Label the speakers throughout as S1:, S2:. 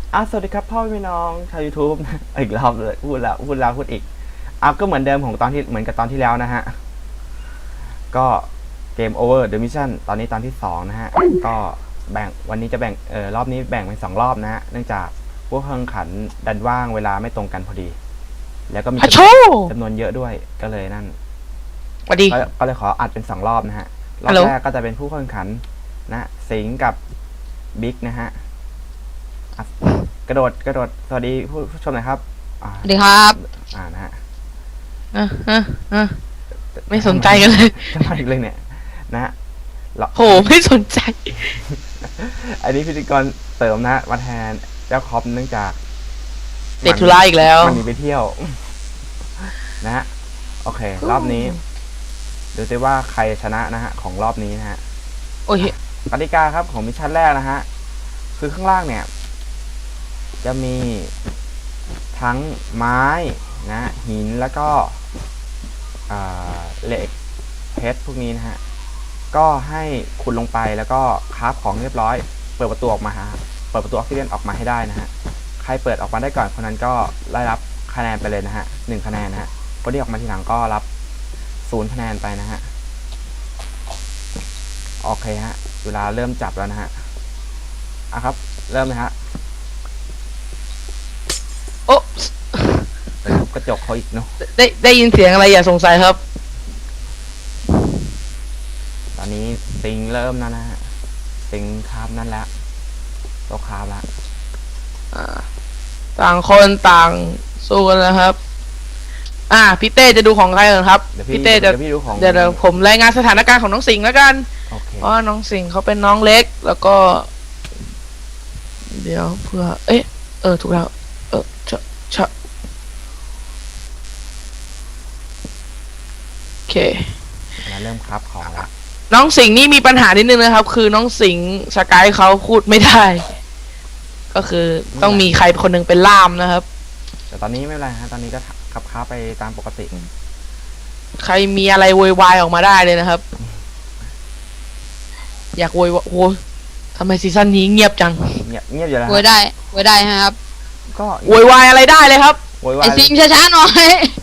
S1: สวัสดีครับพ่อพี่น้องชาว YouTube นะอีกรอบเลยพูดอีกก็เหมือนเดิมของตอนที่เหมือนกับตอนที่แล้วนะฮะก็เกม Over The Mission ตอนนี้ตอนที่2นะฮะก็แบ่งวันนี้จะแบ่งรอบนี้แบ่งเป็น2รอบนะฮะเนื่องจากพวกแข่งขันดันว่างเวลาไม่ตรงกันพอดีแล้วก็มีจำนวนเยอะด้วยก็เลยนั่น
S2: สวัสดี
S1: ก็เลยขออัดเป็น2รอบนะฮะรอบแรกก็จะเป็นผู้แข่งขันนะสิงห์กับบิ๊กนะฮะกระโดดสวัสดีผู้ชมหน่อยครับ
S2: สวัสดีครับ
S1: นะฮะ
S2: ไม่สนใจกันเลย
S1: จะมาอีกเลยเนี่ยนะฮะ
S2: โหไม่สนใจ
S1: อันนี้พิธีกรเสริมนะมาแทนเจ้าคอปเนื่องจาก
S2: ติดธุระอีกแล้ว
S1: มันหนีไปเที่ยวนะฮะโอเครอบนี้ดูซิว่าใครชนะนะฮะของรอบนี้นะฮะ
S2: โอ้ย
S1: กติกาครับของมิชชั่นแรกนะฮะคือข้างล่างเนี่ยจะมีทั้งไม้นะหินแล้วก็เหล็กเพชรพวกนี้นะฮะก็ให้ขุดลงไปแล้วก็คราฟของเรียบร้อยเปิดประตูออกมาเปิดประตูออกซิเจนออกมาให้ได้นะฮะใครเปิดออกมาได้ก่อนคนนั้นก็ได้รับคะแนนไปเลยนะฮะ1คะแนนนะฮะคนที่ออกมาทีหลังก็รับ0คะแนนไปนะฮะโอเคฮะเวลาเริ่มจับแล้วนะฮะครับเริ่มเลยฮะ
S2: โอ้
S1: กระจกเขาอีกเนาะ
S2: ได้ยินเสียงอะไรอย่าสงสัยครับ
S1: ตอนนี้สิงเริ่มแล้วนะฮะสิงคาบนั่นแล้วโตคาบแล้ว
S2: ต่างคนต่างสู้กันนะครับพี่เต้จะดูของใครกันครับพี่เต้จะเดี๋ยวผมรายงานสถานการณ์ของน้องสิงห์แล้วกันเพราะน้องสิงห์เขาเป็นน้องเล็กแล้วก็เดี๋ยวเพื่อถูกแล้วโอเค
S1: เริ่มครับของแล้ว
S2: น้องสิงห์นี่มีปัญหานิดนึงนะครับคือน้องสิงห์สกายเขาพูดไม่ได้ก็คือต้องมีใครคนหนึ่งเป็นล่ามนะครับ
S1: แต่ตอนนี้ไม่เป็นไรฮะตอนนี้ก็ขับค้าไปตามปกติ
S2: ใครมีอะไรโวยวายออกมาได้เลยนะครับอยากโวยโอ้ทำไมซีซั่นนี้เงียบจัง
S1: เงียบอยู่แล้ว
S3: โวยได้ครับ
S2: ก็โวยวายอะไรได้เลยครับ
S3: ไอสิงช้าๆหน่อย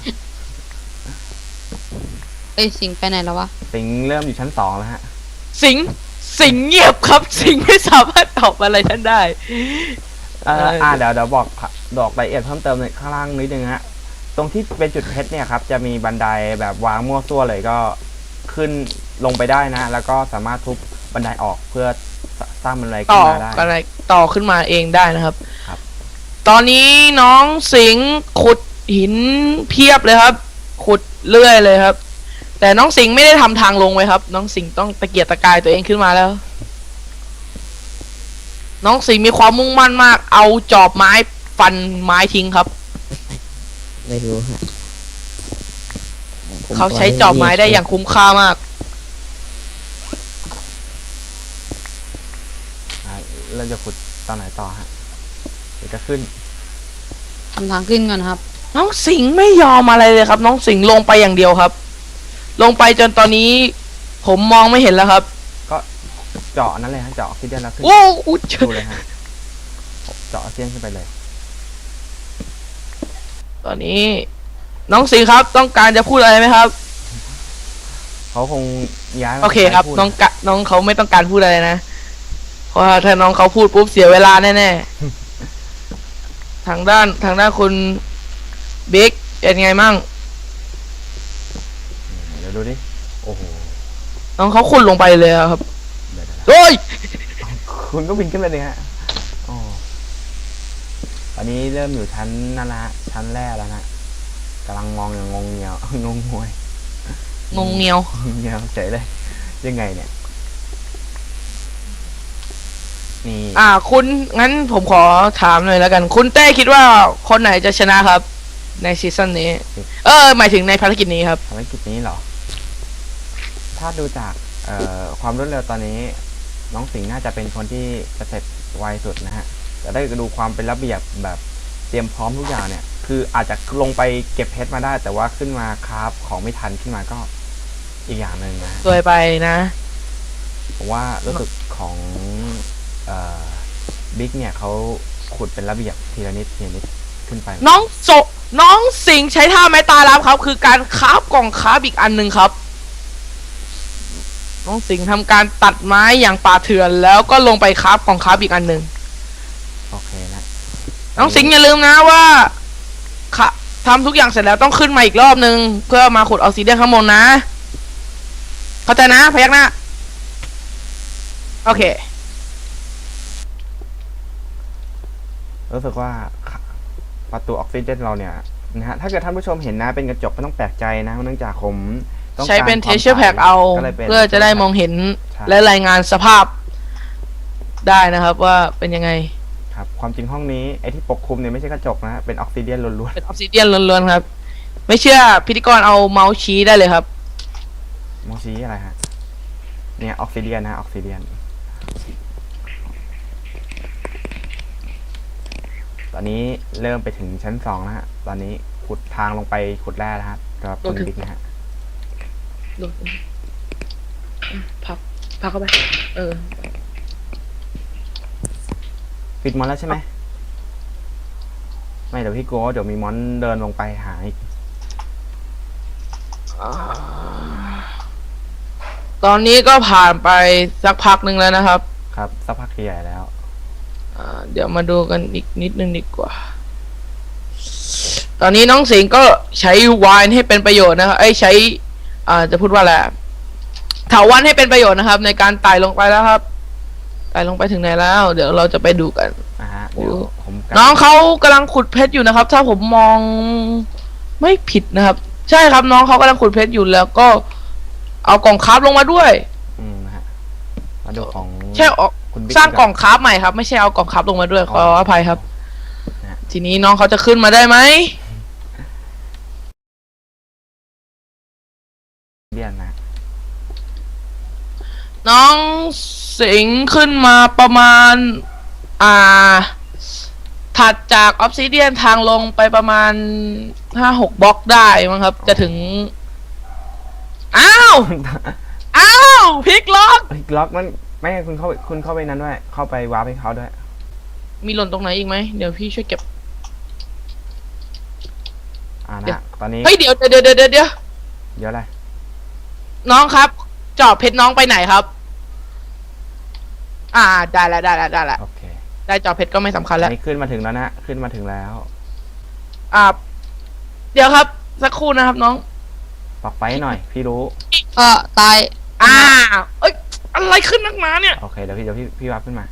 S3: ไอสิงไปไหนแล้ววะ
S1: สิงเริ่มอยู่ชั้น2แล้วฮะ
S2: สิงเงียบครับสิงไม่สามารถตอบอะไรท่านได้
S1: เดี๋ยวบอกรายละเอียดเพิ่มเติมในข้างล่างนิดนึงฮะตรงที่เป็นจุดเพชรเนี่ยครับจะมีบันไดแบบวางมั่วซั่วเลยก็ขึ้นลงไปได้นะแล้วก็สามารถทุบบันไดออกเพื่อสร้างบันไดขึ้นมาได้
S2: ต่อขึ้นมาเองได้นะครับตอนนี้น้องสิงขุดหินเพียบเลยครับขุดเรื่อยเลยครับแต่น้องสิงไม่ได้ทำทางลงไว้ครับน้องสิงต้องตะเกียกตะกายตัวเองขึ้นมาแล้วน้องสิงมีความมุ่งมั่นมากเอาจอบไม้ฟันไม้ทิ้งครับ
S4: ไม่รู้ฮะ
S2: เขาใช้จอบไม้ได้อย่างคุ้มค่ามาก
S1: เราจะขุดตอนไหนต่อฮะเดี๋ยวจะขึ้น
S3: ทำทางขึ้นก่อนครับ
S2: น้องสิงไม่ยอมอะไรเลยครับน้องสิงลงไปอย่างเดียวครับลงไปจนตอนนี้ผมมองไม่เห็นแล้วครับ
S1: ก็เจาะนั่นเลยฮะเจาะที่เดียวแล้วขึ้นดูเลยฮะเจาะเสี้ยนขึ้นไปเลย
S2: ตอนนี้น้องสิงครับต้องการจะพูดอะไรไหมครับ
S1: เขาคงย้าย
S2: โอเคครับน้องเขาไม่ต้องการพูดอะไรนะเพราะถ้าน้องเขาพูดปุ๊บเสียเวลาแน่ๆทางด้านคุณบิ๊กเป็นไงมั่ง
S1: เดี๋ยวดูดิโอ้โห
S2: น้องเขาขุดลงไปเลยครับโอ้ย
S1: คุณก็บินขึ้นไปเลยฮะตอนนี้เริ่มอยู่ชั้นนั่นละชั้นแรกแล้วนะกำลังมองอย่างงงเงียวงงงวย
S2: เงียว
S1: เฉยเลยยังไงเนี่ยนี่
S2: คุณงั้นผมขอถามหน่อยแล้วกันคุณเต้คิดว่าคนไหนจะชนะครับในซีซั่นนี้หมายถึงในภารกิจนี้ครับ
S1: ภารกิจนี้เหรอถ้าดูจากความรวดเร็วตอนนี้น้องสิงห์น่าจะเป็นคนที่จะเสร็จไวสุดนะฮะแต่ได้ดูความเป็นระเบียบแบบเตรียมพร้อมทุกอย่างเนี่ยคืออาจจะลงไปเก็บเพชรมาได้แต่ว่าขึ้นมาคราฟของไม่ทันขึ้นมาก็อีกอย่างหนึ่งนะ
S2: สวยไปนะ
S1: ผมว่ารู้สึกของบิ๊กเนี่ยเขาขุดเป็นระเบียบทีละนิดทีละนิดขึ้นไป
S2: น้องสิงห์ใช้ท่าไม้ตายรับครับ คือการคราฟกล่องคราฟอีกอันหนึ่งครับ น้องสิงห์ทำการตัดไม้อย่างป่าเถื่อนแล้วก็ลงไปคราฟกล่องคราฟอีกอันหนึ่ง
S1: โอเคนะ
S2: น้องสิงห์อย่าลืมนะว่าทำทุกอย่างเสร็จแล้วต้องขึ้นมาอีกรอบนึง เพื่อมาขุดออกซิเดียนข้างบนนะ เข้าใจนะพยักหน้าโอเค
S1: รู้สึกว่าประตูออกซิเจนเราเนี่ยนะฮะถ้าเกิดท่านผู้ชมเห็นนะเป็นกระจกไม่ต้องแปลกใจนะเนื่องจากผมต้องการ
S2: ใช้เป็น
S1: ความ
S2: texture pack เอา
S1: ก็ลยป็น
S2: เพื่อจะได้มองเห็น
S1: ใช่
S2: และรายงานสภาพได้นะครับว่าเป็นยังไง
S1: ครับความจริงห้องนี้ไอ้ที่ปกคลุมเนี่ยไม่ใช่กระจกนะฮะเป็นออกซิเดียนล้วน
S2: เป็นออกซิเดียนล้วนๆครับ ไม่เชื่อพิธีกรเอาเมาส์ชี้ได้เลยครับ
S1: ๆมองชี้อะไรฮะเนี่ยออกซิเดียนนะออกซิเดียนตอนนี้เริ่มไปถึงชั้น2นะฮะตอนนี้ขุดทางลงไปขุดแร่นะฮะสำหรับคุณบิ๊กนะฮะ
S2: ดูพับเข้าไป
S1: ปิดมอนแล้วใช่ไหมไม่เดี๋ยวพี่โก้เดี๋ยวมีมอนเดินลงไปหาอีก
S2: ตอนนี้ก็ผ่านไปสักพักหนึ่งแล้วนะครับ
S1: ครับสักพักใหญ่แล้ว
S2: เดี๋ยวมาดูกันอีกนิดนึงดีกว่า ตอนนี้น้องสิงห์ก็ใช้ไวน์ให้เป็นประโยชน์นะครับใช้จะพูดว่าอะไรเถาวัลย์ให้เป็นประโยชน์นะครับ ในการไต่ลงไปแล้วครับไต่ลงไปถึงไหนแล้ว เดี๋ยวเราจะไปดูกัน
S1: นะฮะเดี๋ยวผมกลับ
S2: น้องเขากำลังขุดเพชรอยู่นะครับ ถ้าผมมองไม่ผิดนะครับ ใช่ครับน้องเขากำลังขุดเพชรอยู่แล้วก็เอากล่องคราฟลงมาด้วย
S1: นะฮะมาดูของ
S2: ใช่ออก
S1: คุณบิ๊
S2: สร้างกล่องคราฟใหม่ครับ ไม่ใช่เอากล่องคราฟลงมาด้วยขออภัยครับ
S1: นะฮะ
S2: ทีนี้น้องเขาจะขึ้นมาได้ไหม
S1: เดียนนะ
S2: น้องสิงห์ขึ้นมาประมาณถัดจากออฟซิเดียนทางลงไปประมาณ5-6 บล็อกได้มั้งครับ จะถึงอ้าวพลิกล็อก
S1: ล็อกมันไม่ให้คุณเข้าไปนั้นด้วยเข้าไปวาร์ปให้เขาด้วย
S2: มีหล่นตรงไหนอีกไหมเดี๋ยวพี่ช่วยเก็บ
S1: นะตอนนี้
S2: เฮ้ยเดี๋ยว
S1: เดี๋ยวอะไร
S2: น้องครับจอบเพชรน้องไปไหนครับ ได้แล้ว
S1: โอเค
S2: ได้จอบเพชรก็ไม่สำคัญ
S1: อั
S2: แล้ว
S1: นนี้ขึ้นมาถึงแล้วนะขึ้นมาถึงแล้ว
S2: เดี๋ยวครับสักครู่นะครับน้อง
S1: ปักไฟหน่อย พี่รู้
S3: ตาย
S2: เอ้ยอะไรขึ้นนักหนาเนี่ย
S1: โอเคเดี๋ยวพี่วาร์ปขึ้นมา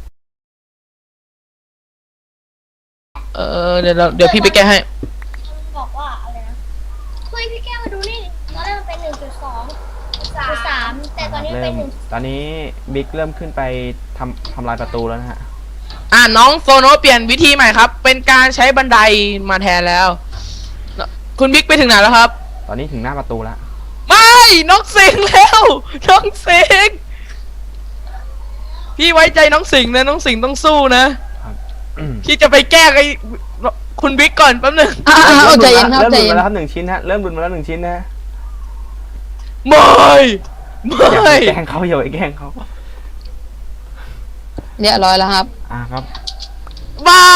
S2: เดี๋ยวพี่ไปแก้ให้
S5: มันบอกว่าอะไรนะเฮ้ยพี่แก้วมาดูนี่ตอนแรกมันเป็น1.2.3แต่ตอนนี้เป็น
S1: ตอนนี้บิ๊กเริ่มขึ้นไปทำลายประตูแล้วนะฮะ
S2: น้องโซโนเปลี่ยนวิธีใหม่ครับ เป็นการใช้บันไดมาแทนแล้ว คุณบิ๊กไปถึงไหนแล้วครับ
S1: ตอนนี้ถึงหน้าประตูแล้ว
S2: ไม่น้องสิงห์แล้วน้องสิงห์พี่ไว้ใจน้องสิงห์นะน้องสิงห์ต้องสู้นะ พี่จะไปแก้ไอ้คุณบิ๊กก่อนแป๊บนึง
S3: ใจเย็นครับ
S1: เริ่ม
S3: ใจ
S1: หลุด
S3: เย็น
S1: มาแล้วครับ1 ชิ้นฮะเริ่มหลุดมาแล้ว1 ชิ้นนะ
S2: ไม่
S1: อย่าไปแกล้งเขาอย่าไปแกล้งเขา
S3: เรียบร้อยแล้วครับ
S1: ครับ
S2: ไม่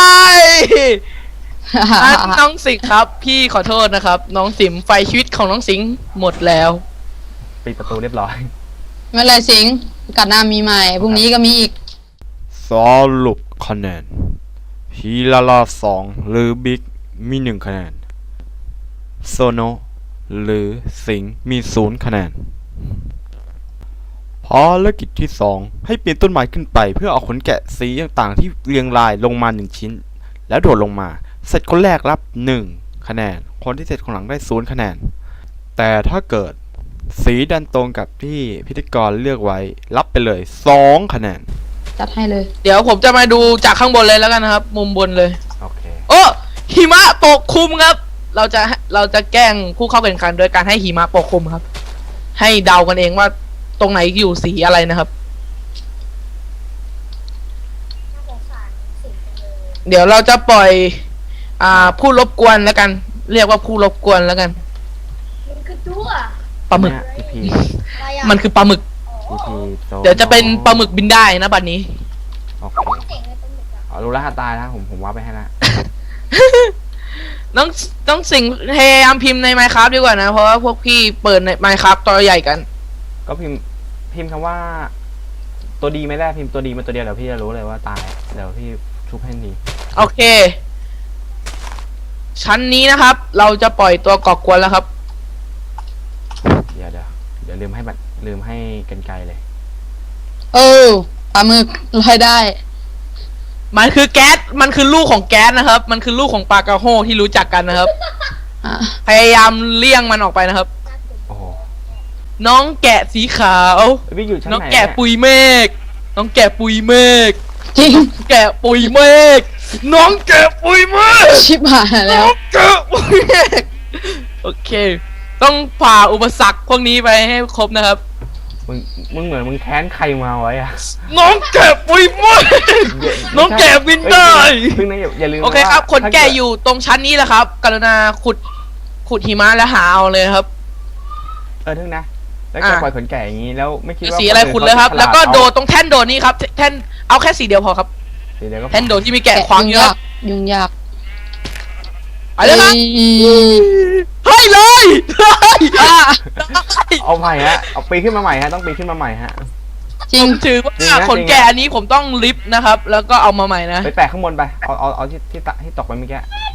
S2: น้องสิงห์ครับ พี่ขอโทษนะครับ น้องสิงห์ไฟชีวิตของน้องสิงห์หมดแล้ว
S1: ปิดประตูเรียบร้อย
S3: ไม่เป็นไรสิงห์กัดหน้ามีใหม่พรุ่งนี้ก็มีอีก
S1: สรุปคะแนนฮีลาลา2หรือบิ๊กมี1 คะแนนโซโนหรือสิงห์มี0 คะแนนภารกิจที่ 2ให้ปีนต้นไม้ขึ้นไปเพื่อเอาขนแกะสีต่างๆที่เรียงรายลงมา1 ชิ้นแล้วโดดลงมาเสร็จคนแรกรับ1 คะแนนคนที่เสร็จคนหลังได้0 คะแนนแต่ถ้าเกิดสีดันตรงกับที่พิธีกรเลือกไว้รับไปเลย2 คะแนน
S3: จัดให้เลย
S2: เดี๋ยวผมจะมาดูจากข้างบนเลยแล้วกันนะครับ มุมบนเลย
S1: โอเค
S2: โอ้หิมะปกคลุมครับ เราจะแกล้งผู้เข้าแข่งขันโดยการให้หิมะปกคลุมครับ ให้เดากันเองว่าตรงไหนอยู่สีอะไรนะครับ
S5: น่าสงสารสิ่งจังเลย
S2: เดี๋ยวเราจะปล่อยผู้รบกวนแล้วกัน เรียกว่าผู้รบกวนแล้วกัน
S5: มันคือตัว
S2: ปลาหมึก
S1: พี่พี
S5: อะไรอ่ะ
S2: มันคือปลาหมึก
S1: พี่พีโซ
S2: เดี๋ยวจะเป็นปลาหมึกบินได้นะบัดนี้
S1: โอเค
S5: เจ๋งเลยเป็นหมึกอ่ะ
S1: รู้รหัสตายนะผมว่าไปให้ละ
S2: ต้องสิ่งพยายามพิมพ์ใน Minecraft ดีกว่านะ เพราะว่าพวกพี่เปิดใน Minecraft ตัวใหญ่กัน
S1: ก็พิมพ์คำว่า ตัวดีไม่ได้พิมพ์ตัวดีมาตัวเดียวเดี๋ยวพี่จะรู้เลยว่าตายเดี๋ยวพี่ชุบให้ดี
S2: โอเค ชั้นนี้นะครับ เราจะปล่อยตัวก่อกวนแล้วครับ
S1: เดี๋ยวลืมให้กันไกลเลย
S3: ปลาหมึกลอยได้
S2: มันคือแก๊สมันคือลูกของแก๊สนะครับ มันคือลูกของปลากระโฮที่รู้จักกันนะครับ
S3: อ่ะ
S2: พยายามเลี่ยงมันออกไปนะครับ
S1: โอ้โห
S2: น้องแกะสีขาว
S1: พี่อยู่ชั้น
S2: น้อง
S1: ไหน
S2: แกะปุยเมฆน้องแกะปุยเมฆ
S3: จริง
S2: แกะปุยเมฆน้องแกะปุยเมฆ
S3: ชิบหายแล้ว
S2: แกะปุยเมฆโอเค ต้องผ่าอุปสรรคพวกนี้ไปให้ครบนะครับ
S1: มึงเหมือนมึงแค้นใครมาไว้อะ
S2: น้องแกะปุยเมฆน้องแกะบินได้
S1: พึ่งนะอย่าลืม
S2: โอเคครับ
S1: ว่า
S2: คน
S1: ถ้า
S2: แก่
S1: เกิด
S2: อยู่ตรงชั้นนี้แหละครับ กรุณาขุดหิมะแล้วหาเอาเลยครับ
S1: ทึ่งนะแล้วแกปล่อยขนแก่อย่างนี้แล้วไม่คิดว่า
S2: สีอะไรขุดเลยครับ
S1: นอื่น
S2: แล้วก็
S1: ขาจะฉา
S2: โดดตรงแท่นโดดนี้ครับแท่นเอาแค่สีเดียวพอครับ
S1: สีเดียวก็พอ
S2: แท่นโดดที่มีแกะขวางเยอะ
S3: ยุ่งยาก
S2: ไปเลยครับ
S3: เอ้ย
S2: ให้เลยให้
S1: เอาใหม่ฮะเอาปีนขึ้นมาใหม่ฮะต้องปีนขึ้นมาใหม่ฮะ
S3: จริ
S2: ผ
S3: ง
S2: มถือว่า
S1: จริงนะ
S2: ขนแกะอันนี้ผมต้องลิฟต์นะครับ แล้วก็เอามาใหม่นะ
S1: ไปแปะข้างบนไปเอาที่ตกไปเมื่อกี้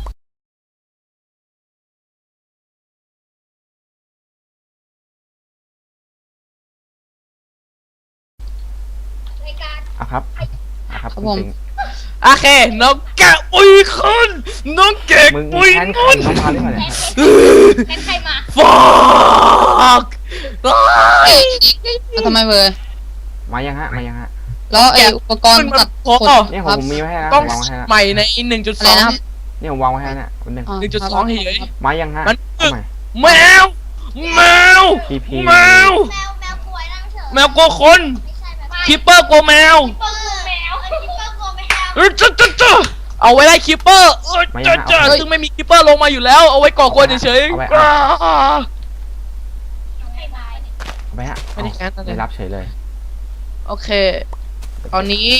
S5: ในการ
S1: อ่ะครับจริง
S2: โอเค น้องแกะปุยคนน้องแกะ
S1: มึง
S2: ปุย
S1: แค้น
S2: ค
S1: ใคร
S2: น
S1: เข้ามาหรือเปล่าเนี่ย
S5: แทนใครมา
S2: ฟอก
S3: แล้วทำไมเบอร์
S1: มายังฮะ
S3: แล้วไออุปกรณ์ตัดขน
S1: เนี่ย
S3: ครับ
S1: ผมมีไว้ให้นะ
S2: ต้อง
S1: วางไว้ให้นะ
S2: ใหม่ใน
S3: อะไรนะครับ
S1: เนี่ยผมวางไว้ให้นะวันหนึ่ง
S3: อ๋อ
S2: 1.2 เฉย
S1: มายังฮะ
S2: มัน
S1: เอาใหม่
S2: แมว แมว
S1: PP
S2: แมว
S5: แมวป่วยนั่งเฉย
S2: แมวกลัวคน
S5: ไม่ใช่แบบ
S2: คิปเปอร์กลัวแมว
S5: คิปเปอร์กลัวแมวคิปเปอร์กลัวแมว
S2: จ้าเอาไว้ไล่คิปเปอร์จ้าซึ่งไม่มีคิปเปอร์ลงมาอยู่แล้ว เอาไว้ก่อกวนเฉย
S1: เอาไว้
S2: ๆ
S5: ใครมา
S1: เอาไปฮะ
S2: ไม่ได้แค้นอะไร
S1: ไม่รับเฉยเลย
S2: โอเค ตอนนี้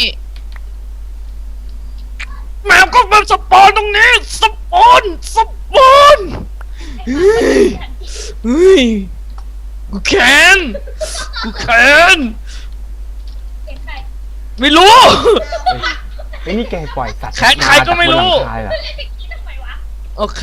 S2: แมวก็มาสปอนตรงนี้ สปอนเฮ้ยกูแค้น
S5: เห็นใคร
S2: ไม่รู้
S1: เฮ้ยนี่แกปล่อยสัตว์
S2: แค้นใครก็ไม่รู้
S1: าจากบนหลังคาเหรอ
S5: คิดทำไมวะ
S2: โอเค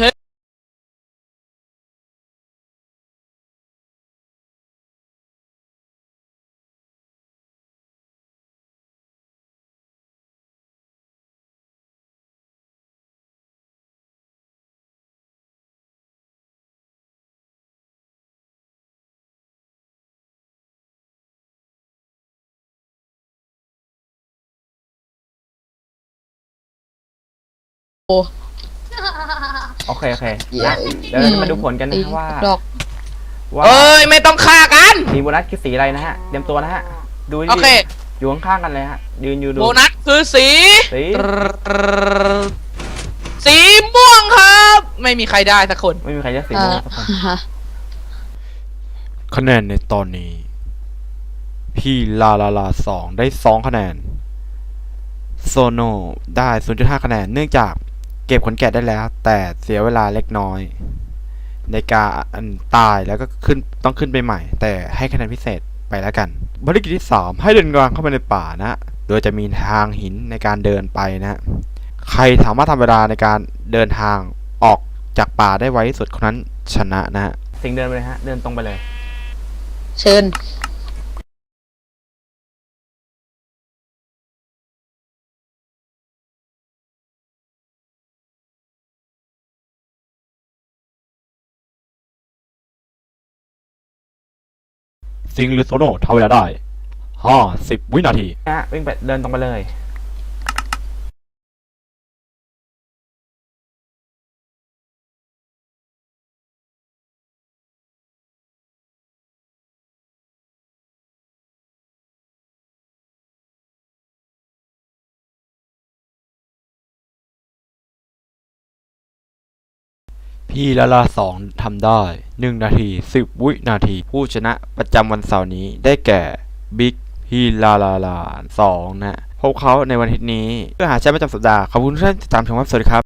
S1: โอเคนะเดี๋ยวเราจะมาดูผลกันนะว่า
S3: ดอก
S1: ว่า
S2: เอ้ย ไม่ต้องฆ่ากัน
S1: สีโบนัสคือสีอะไรนะฮะเตรียมตัวนะฮะดู
S2: โอเค
S1: อยู่ข้างๆกันเลยฮะยืนอยู่ดู
S2: โบนัสคือสี
S1: สี
S2: สีม่วงครับ ไม่มีใครได้สักคน
S1: ไม่มีใครจะสีม่วงสักคน
S3: ฮะ
S6: คะแนนในตอนนี้ พี่ลา2ได้2คะแนนโซโนได้ 0.5 คะแนนเนื่องจากเก็บขนแกะได้แล้ว แต่เสียเวลาเล็กน้อย ในการตายแล้วก็ต้องขึ้นไปใหม่ แต่ให้คะแนนพิเศษไปแล้วกันภารกิจที่ 3 ให้เดินกลางเข้าไปในป่านะ โดยจะมีทางหินในการเดินไปนะ ใครสามารถทำเวลาในการเดินทางออกจากป่าได้ไวที่สุดคนนั้นชนะนะ
S1: สิงเดินไปเลยฮะเดินตรงไปเลย
S3: เชิญ
S6: ซิงหรือโซโนทำเวลาได้ 50 วินาที
S1: นะฮะวิ่งไปเดินตรงไปเลย
S6: พี่ลา2ทำได้ 1 นาที 10 วินาที ผู้ชนะประจำวันเสาร์นี้ได้แก่บิ๊กพี่ลา2นะพบเขาในวันอาทิตย์นี้เพื่อหาแชมป์ประจำสัปดาห์ขอบคุณที่ติดตามชมครับสวัสดีครับ